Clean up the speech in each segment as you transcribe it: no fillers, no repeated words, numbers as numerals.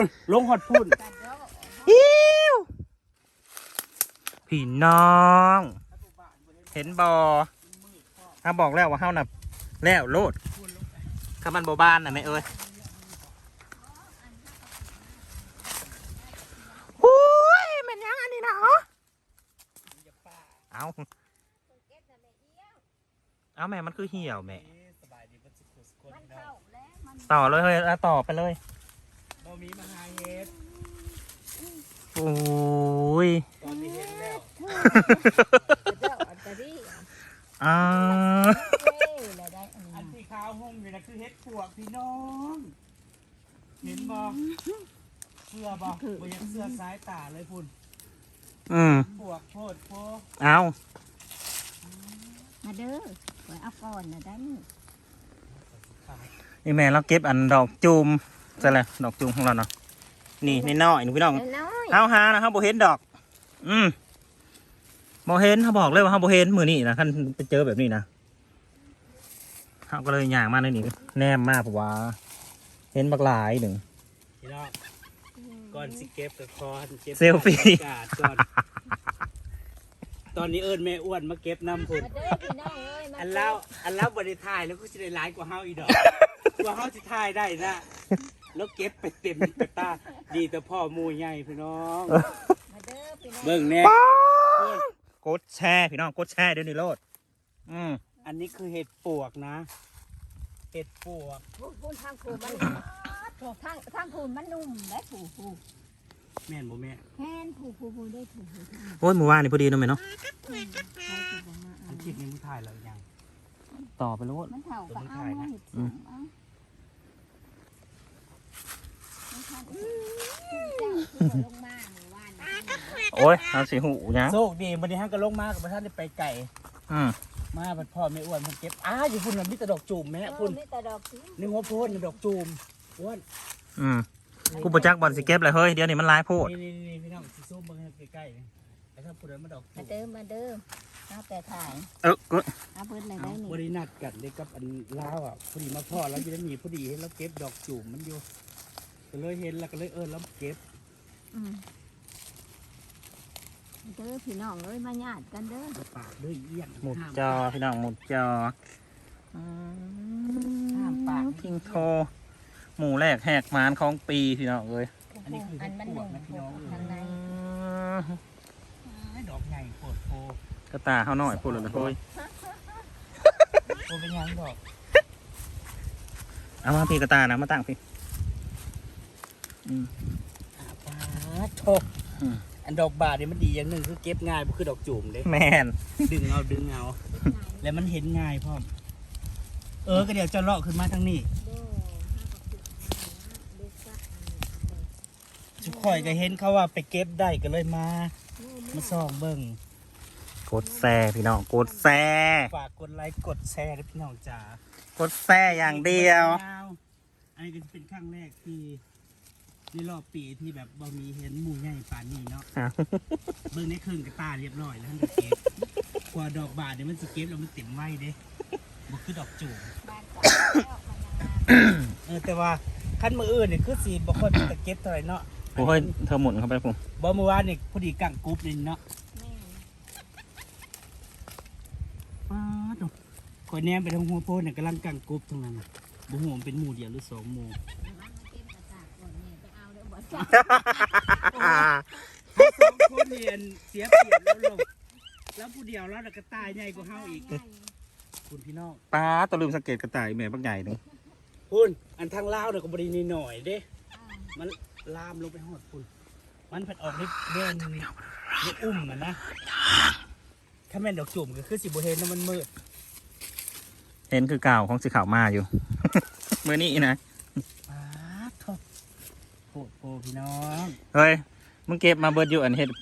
ลงหอดพุ่นอิ้วพี่น้องเห็นบอถ้าบอกแล้วว่าเฮาน่ะแล้วโลดถ้ามันบ่บ้านน่ะแม่เอ้ยโอ้ยมันยังอันนี้นะเหรอเอาแม่มันคือเหี่ยวแม่ต่อเลยเฮ้ยต่อไปเลยบ่มีมาหาเฮ็ดโอ้ยตอนนี้เห็นแล้วอ่าอันที่ขาวห่มอยู่นะคือเฮ็ดปวกพี่น้องเห็นบ่เสื้อบ่บ่ยังเสื้อสายตาเลยพุ่นปวกโพดโพเอามาเด้อไว้เอาก่อนนะได้นี่นี่แม่เราเก็บอันดอกจูมใช่เลยดอกจูมของเราเนาะนี่น้อยๆหนูพี่น้องน้อยเฮาหานะครับโบเห็นดอกโบเห็นเขาบอกเลยว่าเฮาโบเห็นมือนี่นะขั้นไปเจอแบบนี้นะเขาก็เลยย่างมาในนี่แนมมากเพราะว่าเห็นบักหลายหนึ่งพี่น้องก่อนสิเก็บกับคอนเก็บเซลฟี่กาดก่อนตอนนี้เอิญแม่อ้วนมาเก็บน้ำพุ่นมาเด้อพี่น้องเอ้ยมาอันแล้วบริทายแล้วก็จะได้ร้ายกว่าเฮาอีดอก กว่าเฮาจะทายได้นะแล้วเก็บไปเต็มกระตาดีแต่พ่อหมูใหญ่พี่น้องมาเด้อพี่น้องเบิ่งแน่กดแช่พี่น้องกดแช่เดี๋ยวนี้โลดอันนี้คือเห็ดปวกนะเห็ดปวกพูนทางผูมันทางผูมันนุ่มได้ผูแม่นบ่แม่แค่นผูได้ผูโอ้ยมือว่านนี่พอดีเนาะแม่เนาะอันคลิปนี้มึงถ่ายแล้วยังต่อไปโลดมันเท่ากับเอามาเห็ดสูงเอาลงมาหมู่บ้านโอ้ยเอาสีหูยังโชคดีวันนี้ฮังก็ลงมากับท่านได้ไปไก่ มาบัดพ่อแม่อ้วนมันเก็บอยู่พุ่นน่ะมีแต่ดอกจูมแม่พุ่นนี่แต่ดอกสีนี่หัวโพนนี่ดอกจูมอ้วนกูประจักบอลสิเก็บเลยเฮ้ยเดี๋ยวนี้มันลายโพดนี่พี่น้องสิซูมเบิ่งให้ใกล้ๆนี่ไอ้ถ้าพุ่นนั้นมาดอกจูมาเด้อมาเด้อเอาแต่ถ่ายก็เอาเพิ่นอะไรได้นี่บรินัดกันเลยกับอันลาวอ่ะพอดีมาพ่อแล้วจะได้มีพอดีเห็นแล้วเก็บดอกจูมมันอยู่ก็เลยเห็นแล้วก็เลยแล้วเก็บเด้อพี่น้องเอ้ยมาญาติกันเด้อปากด้วยเอี้ยงหมุดจอพี่น้องหมุดจอห้ามปากคิงโทหมูแรกแหกมานของปีพี่น้องเอ้ยอันนี้คืออันมันปวนุ่กมนะพี่น้องทางในดอกใหญ่โคตรโพกระตาเขาหน่อยพูดเลยนะเฮ้ยโพเป็นยังดอกเอามาพี่กระตานะมาตั้งพี่ปาโทอันดอกบาทนี่มันดีอย่างหนึ่งคือเก็บง่ายบ่คือดอกจูมเลยแมนดึงเอาแล้วมันเห็นง่ายพ่อมก็เดี๋ยวจะเลาะขึ้นมาทางนี้ทุกข่อยก็เห็นเขาว่าไปเก็บได้ก็เลยมาส่องเบิ่งกดแซ่พี่น้องกดแซ่ฝากกดไลค์กดแชร์ด้วยพี่น้องจ๋ากดแซ่อย่างเดียวอันนี้ก็จะเป็นครั้งแรกที่ในรอบปีที่แบบบ่มีเห็นหมู่ใหญ่ป่านนี้เนาะเบิ่งในครึ่งกระตาเรียบร้อยแล้วท่านก็เก็บกว่าดอกบาทเนี่ยมันสิเก็บแล้วมันเต็มไว้เด้บ่คือดอกจูบแต่ว่าขั้นมืออื่นเนี่ยคือสีบ่ค่อยเป็นตะเก็บเท่าไหร่เนาะโอ้ยเธอหมุนเข้าไปผมบ่เมื่อวานนี่พอดีกังกรุ๊ปนี่เนาะคอยแนมไปทางหัวโพนเนี่ยกำลังกังกรุ๊ปทั้งนั้นน่ะบ่ฮู้มันเป็นหมู่เดียวหรือ2หมู่คนเรียนเสียเปรียบแล้วลงแล้วผู้เดียวแล้วก็ตายใหญ่กว่าเฮาอีกคุณพี่น้องป้าตัวลืมสังเกตกระต่ายแม่บักใหญ่หนึ่งคุณอันทางลาวเนี่ยก็บรินีหน่อยเด้มันลามลงไปหอดคุณมันผัดออกนิดเด่นนิดอุ้มนะถ้าแม่นดอกจุ่มก็คือสิบเห็นแล้วมันมืดเห็นคือเก่าของสีขาวมาอยู่ มือนี้นะป้าทบโหพี่น้องเฮ้ยมึงเก็บมาเบิดอยู่อันเฮ็ด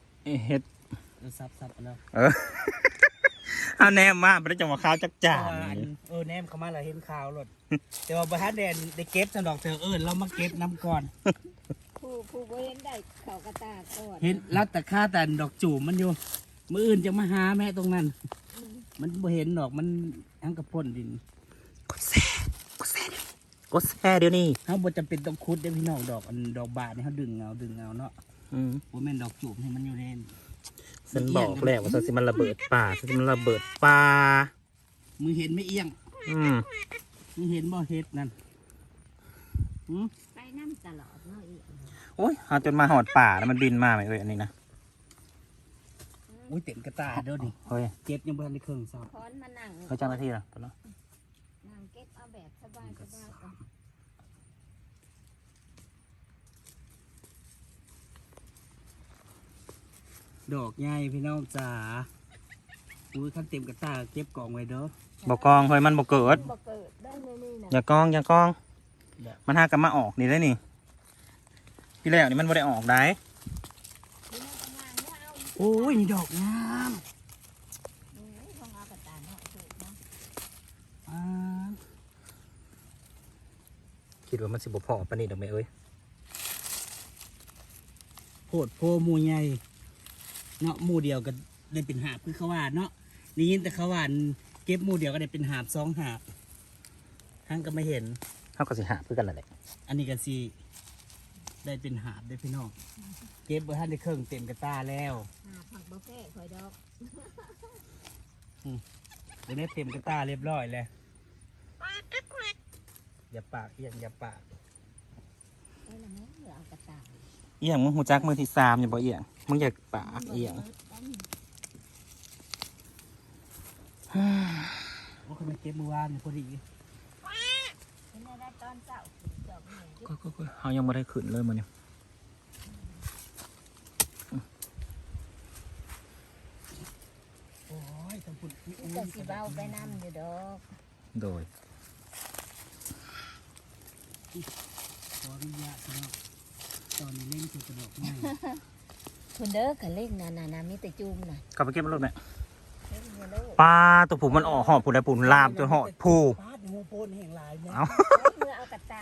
ซับแล้วเอาแนมมาไม่ได้จังหวะข้าวจักจ่าแนมเขามาแล้วเห็นข่าวหลดแต่ว่าประธานแดนได้เก็บสำดอกเธอเรามาเก็บน้ำก่อนผู้บ่เห็นได้เขากระตาก่อนเห็นรัดแต่ค่าแต่ดอกจูบมันอยู่มืออื่นจะมาหาแม่ตรงนั้น มันบ่เห็นดอกมันทั้งกระพ่นดินกดแซ่เดี๋ยวนี้เขาบ่จำเป็นต้องคุดได้พี่น้องดอกดอกบานนี่เขาดึงเอาเนาะอืมบ่แม่นดอกจูบให้มันอยู่ในฉันบอกแล้วว่าฉันสิมันระเบิดป่าฉันสิมันระเบิดป่ามึงเห็นไม่เอียงอืมมึงเห็นบ่เฮ็ดนั่นไปน้ำตลอดเนาะอีกโอ้ยเอาจนมาหอดป่าแล้วมันบินมาไหมเอ้ยอันนี้นะอุ้ยเต็มกระตาเด้อนี่เฮ้ยเก็บยังบ่ทันได้เครื่องซ้ำคอนมานั่งเฮ้ยเจ้าหน้าที่นะตัวเนาะนั่งเก็บเอาแบบสบายก่อนดอกใหญ่พี่น้องจ๋าอุ้ยคันเต็มกระตาเก็บกองไว้เด้อบอกกองเฮ้ยมันบอกเกิดบ่เกิดได้ในนี่นะอย่ากองอย่ากอง มันหากันมาออกนี่ได้นี่ที่แรกนี่มันไม่ได้ออกได้นี่มันกำลังว่าเอาโอ้ยนี่ดอกงามของเอากระตาเนาะถูกเนาะอ่าคิดว่ามันสิบพอปานนี้ดอกไหมเอ้ยโพดโพหมู่ใหญ่เนาะหมู่เดียวก็ได้เป็นหาบคือเขาว่าเนาะนี่ยินแต่เขาว่าเก็บหมู่เดียวก็ได้เป็นหาบ2 หาบทั้งก็ไม่เห็นเขาก็สิหาเพื่อกันแหละอันนี้ก็สิได้เป็นหาบได้พี่น้องเก็บบ่ทันได้เครื่องเต็มกระตาแล้วผักบ่แพ้คอยดอกเดี๋ยวนี้เต็มกระตาเรียบร้อยแล้วอย่าปากเอียงอย่าปากไอ้ละแม่เหลือเอากระตาเอียงมึงหูจักมือที่3อย่าบอกเอียงมึงอยากปากเอียงว่าเขาไปเก็บเมื่อวานนี่พอดีเป็นได้ตอนเช้าดอกนี่ก็เขายังไม่ได้ขึ้นเลยมันเนี่ยโอ้ยทั้งพุ่นก็สิเบาไปน้ำอยู่ดอกโดยขออนุญาตพี่น้องตอนนี้เล่นคือกระดอกไม้คุณเด้อกันเล่นนามีแต่จุ่มน่ะกลับไปเก็บรถไหมเล่นเยอะเลยปลาตัวผูมันออกหอบผูได้ผูลามจนหอดผูปาดหัวโพนแห่งหลายเนี่ยเอาเมื่อเอากระตา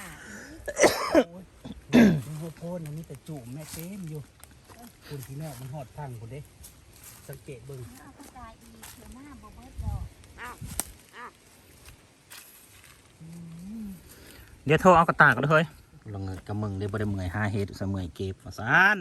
หัวโพนอันนี้แต่จุ่มแม่เต็มอยู่คุณพี่แม่มันหอดพังคุณเด้สังเกตเบิ่งเอากระตาอีกเดี๋ยวหน้าบ่เบิดดอกเดี๋ยวโทรเอากระตากกันเลยเฮ้ยลงเงินกับมึงได้บ่ได้เมื่อยหาเฮ็ดเสมื่อยเก็บว่าซาน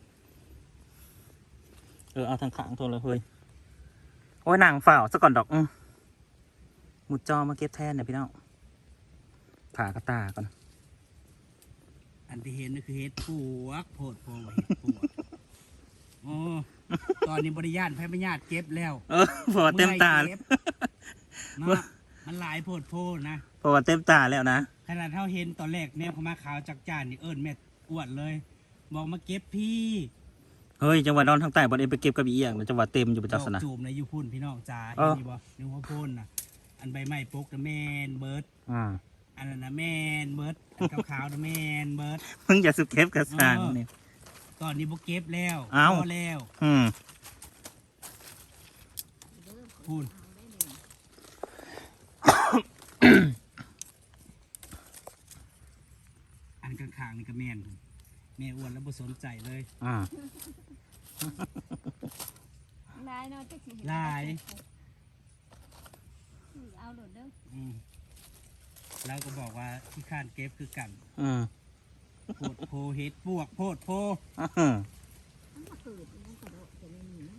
เอาทางข้างโทรเลยเฮ้ยโอ้ยนางฝ่าวซะก่อนดอกมุดจอมาเก็บแทนเนี่ยพี่น้องผ่ากระตาก่อนอันที่เห็นนี่คือเห็ดปวกโพดโพว่าเห็ดปวกโอ้ตอนนี้บริญาตแพ้บริญาตเก็บแล้วเพราะว่าเต็มตาเก็บเนาะมันหลายโพดโพนะเพราะว่าเต็มตาแล้วนะขนาดเท่าเห็นตอนแรกแนวเขามาขาวจักจานนี่เอิญแม่อวดเลย บอกมาเก็บพี่เฮ้ยจังหวัดนอนทางใต้บ่ได้ไปเก็บกระบี่เอียงนะจังหวัดเต็มอยู่ประดจัอกกษณะจูบในยูพุ่นพี่น้องจ้าเอเห็นอนี่บ่นิ้วหัวโพนน่ะอันใบไม้ปกนะแมนเบิร์ดอ่าอันนั้นนะแมนเบิร์ดอันขาวๆนะแมนเบิร์ดมึงอย่าสุเก็บกระสานนี่ตอนนี้บ่เก็บแล้วเอ้าพอแล้วอืมพูนอันข้างๆนี่ก็แมนพุ่นแม่อ้วนแล้วบ่สนใจเลยอ่าลายเนาะจักสิลายเอาโดดเด้อแล้วก็บอกว่าที่ข้านเก็บคือกันอืมโพดโพเฮ็ดปวกโพดโพอืมมันมาเกิดมันกระโดดจะไม่มีนะ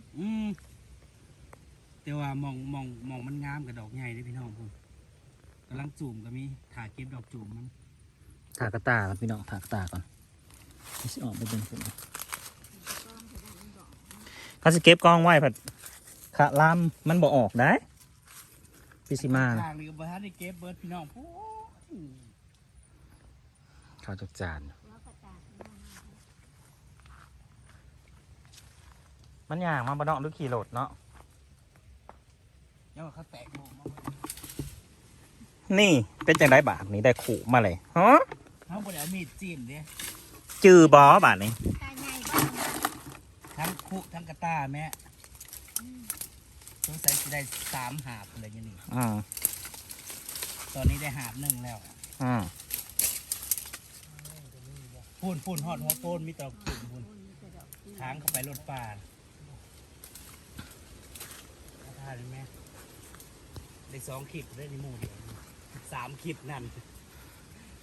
แต่ว่ามองมันงามกับดอกใหญ่เลยพี่น้องพุ่นกำลังจูมก็มีถ่าเก็บดอกจูมมันถากกระตาก่อนพี่น้องถากกระตาก่อนไม่ใช่ออกไปเป็นคนถ้าจะเก็บกองไว้ผัดขะลำมันบ่ออกได้พี่สิมาทางนี้ก็บ่ทันได้เก็บเบิร์ดพี่น้องพูนข้าวจักจานแล้วกระตามันย่างมาบ่เนาะหรือขี่รถเนาะเดี๋ยวเขาแตกโมมานี่เป็นจังไดบาทนี้ได้ขู่มาเลยฮะเขาบ่ได้เอามีดจิ้มเด้จือบอบาทนี้ตาใหญ่บ้างทั้งคุทั้งกระต้าแม่สงสัยจะได้3 หาบอะไรอย่างนี้อืมตอนนี้ได้หาบ1แล้วอืมพูนหอดหัวโพนมีดอกจูมพูนค้างเข้าไปรถป่าเอาท่าเลยแม่ได้2 คลิปได้ในหมู่เดียว3 คลิปนั่น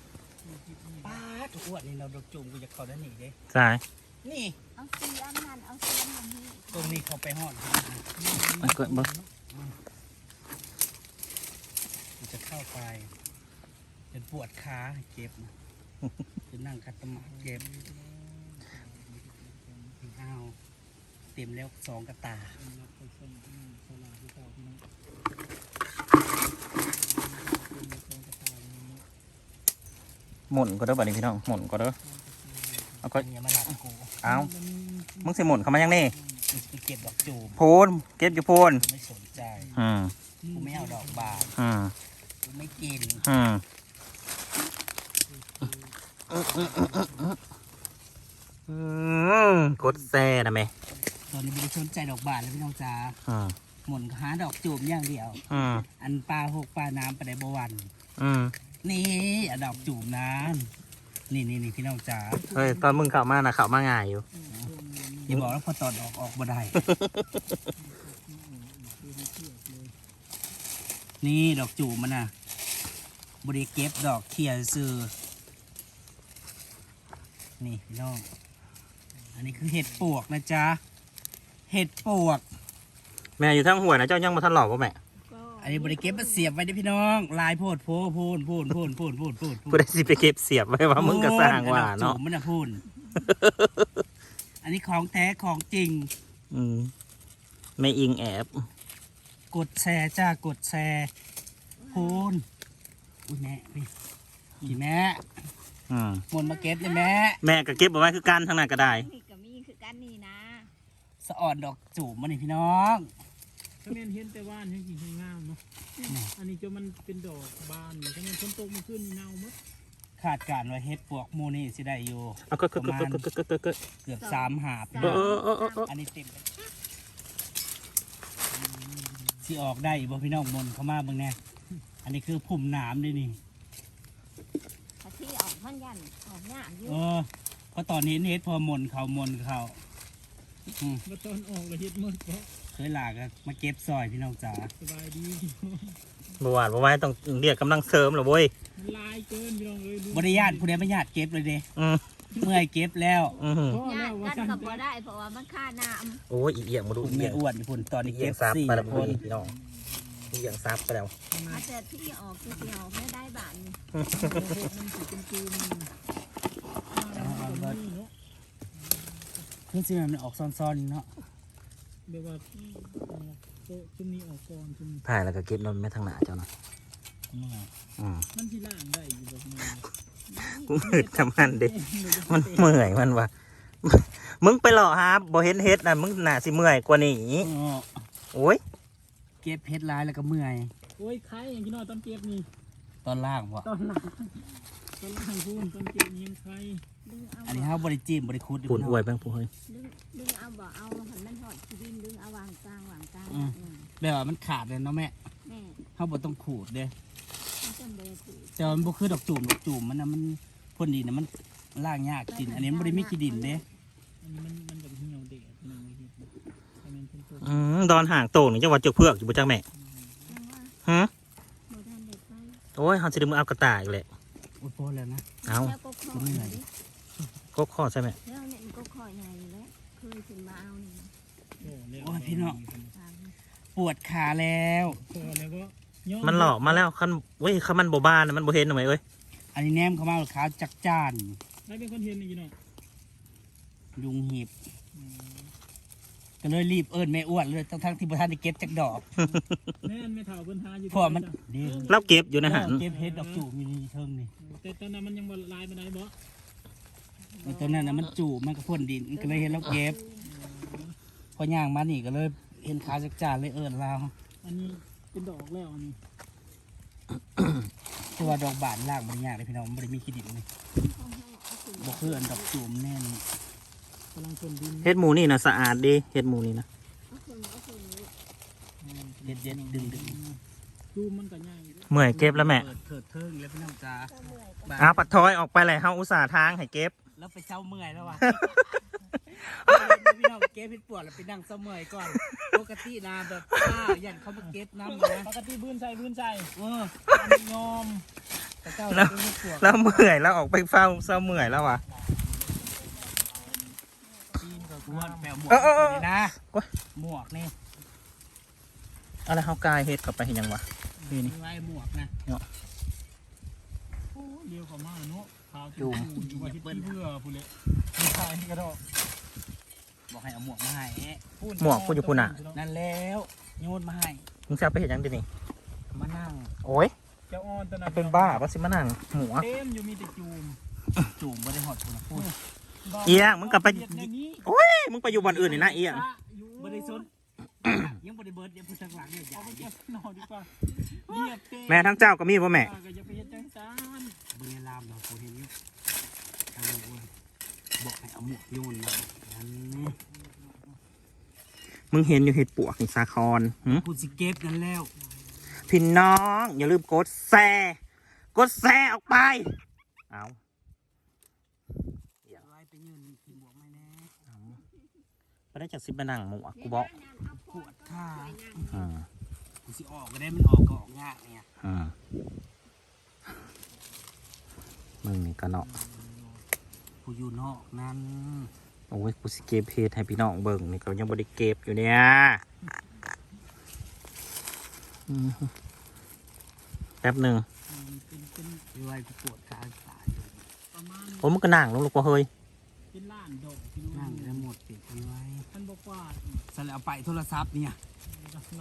ป้าทุกอ้วนนี่เราดอกจุ่มกูจะเข้าด้านนี้เด้สายนี่เอาเสียมนั่นเอาเสียมนี่ตรงนี้เขาไปหอดมันก็บ่กูจะเข้าไปเป็นปวดขาเจ็บนะจะนั่งคัดตะหมาเจ็บอ้าวเต็มแล้ว2 กระตาหมุนก็เด้อบัดนี้พี่น้องหมุนก็เด้อเอาก็อย่ามาหลับกูเอามึงสิหมุนเข้ามายังนี่กูจะไปเก็บดอกจูบโพนเก็บอยู่โพนไม่สนใจอืมกูไม่เอาดอกบานอืมกูไม่กินอืมกดแซ่นะแม่ตอนนี้ไม่ได้สนใจดอกบานแล้วพี่น้องจ๋าอืมหมุนหาดอกจูบอย่างเดียวอืมอันปลาหกปลาน้ำไปได้บวันอืมนี่อะดอกจูบน้ำนี่พี่น้องจ๋าเฮ้ยตอนมึงเข้ามานะเข้ามาง่ายอยู่อย่าบอกแล้วพอตอนออกบ่ได้ นี่ดอกจูบมันน่ะบริเก็บดอกเขียซื้อนี่พี่น้องอันนี้คือเห็ดปวกนะจ๊ะเห็ดปวกแม่อยู่ทั้งหัวยนะเจ้ายังมาทันหลอกป่ะแม่ก็อันนี้บริเก็บมาเสียบไว้ดิพี่น้องลายโพดโพพูนกูได้สิไปเก็บเสียบไว้ว่ามึงก็สร้างว่าเนาะดอกจูบมันน่ะพูน อันนี้ของแท้ของจริงอืมไม่อิงแอบกดแชร์จ้ากดแชร์พูนอุ้ยแม่พี่แม่อืมหมนมาเก็บเลยแม่แม่ก็เก็บเอาไว้คือกันทางนั้นก็ได้นี่ก็มีคือกันนี่นะสะอ่อนดอกจูบมันนี่พี่น้องถ้าแม่นเห็นแต่ว่านให้กินให้งามเนาะ อันนี้จะมันเป็นดอกบานถ้าแม่นฝนตกมาขึ้นนี่เน่าหมดขาดการไว้เฮ็ดปวกหมูนี่สิได้อยู่เอาก็เกือบ3 หาบพี่น้องอันนี้เต็มเลยสิออกได้บ่พี่น้องมนเข้ามาเบิ่งแน่อันนี้คือพุ่มน้ำด้วยนี่ถ้าที่ออกมันยันออกหน้าอยู่เพราะตอนนี้เฮ็ดพอมนเขาอืมมาตอนออกเลยเห็ดหมดเพราะเคยหลากอะมาเก็บซอยพี่น้องจ๋าสบายดีบ่หวานบ่ไว้ต้องเรียกกำลังเสริมเหรอเว้ยมันลายเกินพี่น้องเลยดูบริญาตผู้ใดไม่ญาติเก็บเลยเด้อืมเมื่อยเก็บแล้วอืมพ่อญาแล้วติว่ากันสั่นก็บ่ได้เพราะว่ามันค่าน้โอ้ยอีเอียงมาดูผมอีเอีไม่ยงอ้วนพี่พุ่นตอนนี้อีเอีเก็ยงบซับ 4 ไปแล้วคนพี่น้องอีเอียงซับไปแล้วำอาจจะที่ออกคือที่ออกไม่ได้บานนี่มันสิเป็นจูนนี่เนาะคือสิมันออกซ้อนๆเนาะเดี๋ยวว่าโต๊ะชุมนี้ออกก่อนชุมนี้ผ่ายแล้วก็เก็บนมแม่ทางหน้าเจ้านะอืมมันที่ล่างได้อยู่แบบนี้กูมืดทำมันเด็มันเมื่อยมันวะมึงไปหล่อฮะบ่เห็นเฮ็ดนะมึงน่าสิเมื่อยกว่านี้โอ้ยเก็บเพชรลายแล้วก็เมื่อยโอ้ยใครอย่างที่น้อยตอนเก็บนี่ตอนล่างวะตอนล่างพูนตอนเก็บนี่ยังใครดึงเอาอันนี้เขาบริจิมบริคุดปุ่นอวยแป้งผู้เฮ้ยดึงเอาบ่เอาหันมันหอดที่ดินดึงเอาวางกลางแบบว่ามันขาดเลยเนาะแม่แม่เขาบ่ต้องขูดเด้มันจำเป็นสิแต่ว่ามันบ่คือดอกจูมมันนะมันพ่นดินนะมันล่างยากกิน อันนี้มันบ่ได้มีขี้ดินเด้อันนี้มันแบบเหี่ยวเด็ดพี่น้องเลยเห็ดนะแต่มันเป็นตัวดอนห่างโต่งนี่จังหวัดเจือกเพือกอยู่บ่จังแม่ยังว่าฮะโบราณเด็กไปโอ้ยเฮาสิได้มือเอากระต่ายอีกแหละอุ้ยพอแล้วนะเอาแล้วก็คอยเลยก็ข้อใช่ไหมแล้วเนี่ยมันก็คอยใหญ่แล้วเคยถึงมาเอานี่โอ้ยพี่น้องปวดขาแล้วพอแล้วก็ย่อมันหลอกมาแล้วคันเว้ยคันมันบ่บ้านน่ะมันบ่เห็นหน่อยเอ้ยอันนี้แนมเข้ามาขาวจักจ้านได้เป็นคนเห็นนี่พี่น้องยุงหีบก็เลยรีบเอิ้นแม่อ้วนเลยทั้งที่บ่ทันได้เก็บจักดอกแม่นไม่เท่าเพิ่นหาอยู่เพราะว่ามันดีเราเก็บอยู่นะฮะเก็บเฮ็ดดอกจูบอยู่ในเทิงนี่แต่ตอนนั้นมันยังบ่ลายมาได้บ่ไอ้ตัวนั้นน่ะมันจูบมันก็พ่นดินก็เลยเห็นเราเก็บพอย่างมานี่ก็เลยเห็นขาวจักจ้านเลยเอิ้นเราอันนี้เป็นดอกแล้วอันนี้แต่ว่าดอกบานล่างมันยากเลยพี่น้องมันบ่ได้มีขี้ดินเลยบ่คืออันดอกจูบแน่นกำลังคนดินเฮ็ดหมูนี่นะสะอาดดีเฮ็ดหมูนี่นะเด็ดดึงดูมันก็ง่ายเมื่อยเก็บแล้วแม่เปิดเถิดเทิงแล้วพี่น้องจ้าเอาปัดทอยออกไปเลยเฮาอุตส่าห์ทางให้เก็บแล้วไปเช้าเมื่อยแล้ววะพี่น้องเก็บเห็ดปวกแล้วไปนั่งเสมอก่อนปกตินะแบบยันเขามาเก็บน้ำนะปกติบื้นใส่อันนี้ยอมแต่เจ้าเป็นเห็ดปวกแล้วเมื่อยแล้วออกไปเฝ้าเศร้าเมื่อยแล้ววะจีนกับกวนแปลหมวกนี่นะหมวกนี่อะไรเขากายเฮ็ดกลับไปเห็นยังวะนี่นี่ไว้หมวกนะโอ้เลี้ยวเข้ามาเนาะขาวจุ่มอยู่ว่าที่เพื่อผู้เล็กไม่ใช่กระดอกบอกให้เอาหมวกมาให้หมวกกูอยู่พูน่ะนั่นแล้วโยนมาให้มึงจะเอาไปเห็นยังดินี่มานั่งโอ้ยเจ้าอ่อนตอนนั้นเป็นบ้าปะสิมานั่งหมูอะเต็มอยู่มีแต่จูมจูบไม่ได้หอดพูนะพูดเอียงมึงกลับไปเฮ็ดในนี้โอ้ยมึงไปอยู่บ่อนอื่นนี่นะเอียงไม่ได้ซนยังไม่ได้เบิร์ดยังพูดทางหลังเนี่ยใหญ่เอาไปเก็บหน่อยดีกว่าเรียบเต้แม่ทั้งเจ้าก็มีป่ะแม่ก็อย่าไปเฮ็ดจังซานเบื้องลามเราพูดเห็นอยู่ทางนี้ว่าบอกให้เอาหมวกโยนมาอันนี้มึงเห็นอยู่เห็ดปวกนี่สาครหึพูดสิเก็บกันแล้วพี่น้องอย่าลืมกดแชร์กดแชร์ออกไปเอาไว้ไปยืนกินหมวกไม่แน่ไปได้จากสิบมานั่งหมูอะกูบอกปวดขาอืมกูสิออกก็ได้มันออกก็ออกยากเนี่ยอืมมึงนี่ก็เนาะกูอยู่นอกนั้นโอ้ยกูสิเก็บเห็ดให้พี่น้องเบิ่งนี่ก็ยังบ่ได้เก็บอยู่เนี่ยอืมแป๊บหนึ่งเป็นไว้กูปวดขาตายประมาณโอ้มึงก็นั่งลงลูกว่าเฮ้ยเป็นล้านดอกพี่น้นั่อง งได้หมดปิดกันไว้ท่านบอกว่าสแล้วเอาไปโทรศัพท์เนี่ยล้านดอก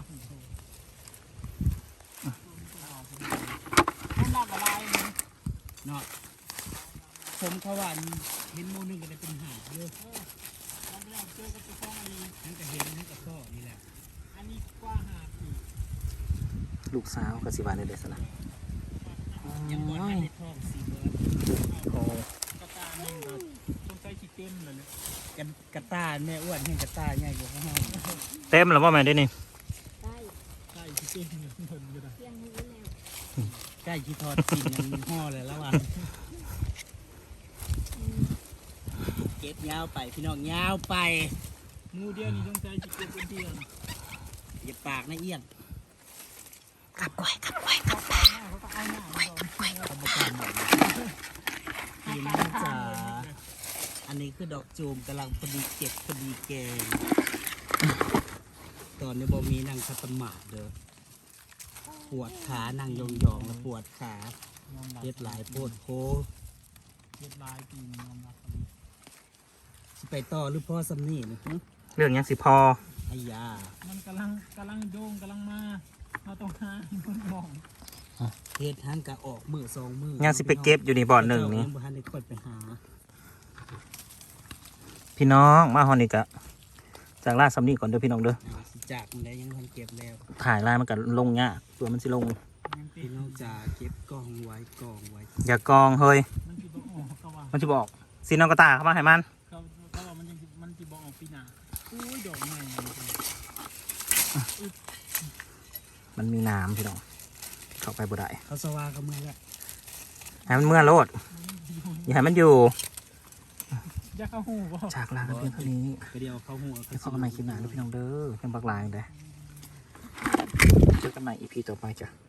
มันหลากหลายนะเนาะผมเขาว่าเห็นโมนึงก็ได้เป็นหาดเยอะเราไปเจอกับเจ้าของอันนี้นั่นก็เห็นนั่นก็ข้อนี่แหละอันนี้กว่าหาดอีกลูกสาวก็สิบาในเดสนะยังบ่ทันได้ท้องสีเบิร์ดโอ้กระตาหนึ่งก็ต้องใช้ชิคเก้นเลยเนี่ยกันกระต้าแม่อ้วนเห็นกระต้าใหญ่กว่าข้างนอกเต็มแล้วว่าแม่ได้นี่ได้ใช่ชิคเก้นเงินก็ได้เพียงมือแล้วใกล้ที่ทอดกินยังมีห่อเลยแล้วอ่ะเก็บยาวไปพี่น้องยาวไปมูเดียวนี่ต้องใช้ชิคเก้นเป็นเดียวอย่าปากนะเอี้ยนขับกล้วยขับกล้วยเขาเอาหน้าเขาก็เอาหน้าเขาบอกเขาบอกกันหมดพี่น้องจ๋าอันนี้คือดอกจูมกำลังพอดีเก็บพอดีแกงตอนนี้บ่มีนั่งคัตมาดเด้อปวดขานั่งยองๆแล้วปวดขายอมรับเฮ็ดหลายโพดโพเฮ็ดลายปีนยอมรับสิไปต่อหรือพ่อสำนี่นะฮะเรื่องยังสิพอไอ้ยามันกำลังโด่งกำลังมาเราต้องหาคนมองเฮ็ดหันกะออกมือสองมือยังสิไปเก็บอยู่ในบ่อนหนึ่งนี่ยังบ่ทันได้ค่อยไปหาพี่น้องมาฮอนนี่กะจากล่าซัมนี่ก่อนเด้อพี่น้องเด้อสิจากมันได้ยังทันเก็บแล้วถ่ายลายมันกันลงยากตัวมันสิลงพี่น้องจ๋าเก็บกองไว้กองไว้อย่ากองเฮ้ยมันจะบอกออกเขาว่ามันจะบอกซีน้องกระตาเข้ามาให้มันเขาว่ามันจะบอกออกปีหน้าอุ้ยดอกใหม่มันมีน้ำพี่น้องเข้าไปบ่ได้เขาสว่าเขาเมื่อแล้วให้มันเมื่อโลดอย่าให้มันอยู่อยากเข้าหูบ่จากลากันเพียงเท่านี้ก็เดียวเขาหัวเดี๋ยวพบกันใหม่คลิปหน้าเด้อพี่น้องเด้อยังบักลายเลยเจอกันใหม่ EP ต่อไปจ้ะ